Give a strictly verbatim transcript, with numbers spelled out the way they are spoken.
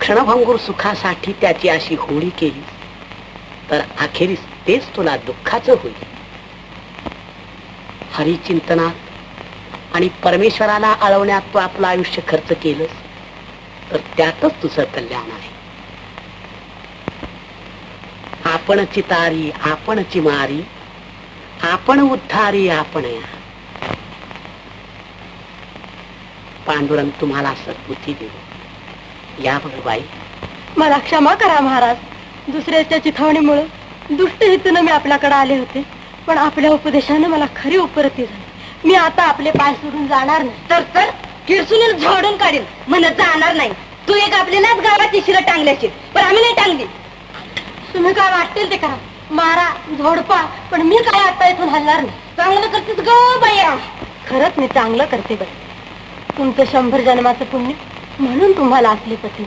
क्षणभंगूर सुखासाठी त्याची अशी होळी केली तर अखेरीस तेच तुला दुःखाचं होईल. हरिचिंतनात आणि परमेश्वराला आळवण्यात तू आपलं आयुष्य खर्च केलंस तर त्यातच तुझं कल्याण आहे. आपणची तारी आपणची मारी, आपण उद्धारी आपण या. पांडुरंग तुम्हाला सद्बुद्धी देऊ. या बघ बाई. मला क्षमा करा महाराज. दुसऱ्याच्या चिथावणीमुळे दुष्ट हेतून मी आपल्याकडे आले होते, पण आपल्या उपदेशाने मला खरी उपरती झाली. मी आता आपले पाय सोडून जाणार नाही. तर तर किरसून झाडून काढेल. म्हणत जाणार नाही. तू एक आपली नाच गावाची शिरं टांगल्याची, पण आम्ही नाही टांगली. तुम्ही काय वाटतील ते करा, मारा झोडपा, पण मी काय आता इथून हलणार नाही. चांगलं करतेस ग बाया. खरंच मी चांगलं करते बाई. तुमचं शंभर जन्माचं पुण्य म्हणून तुम्हाला असले पती.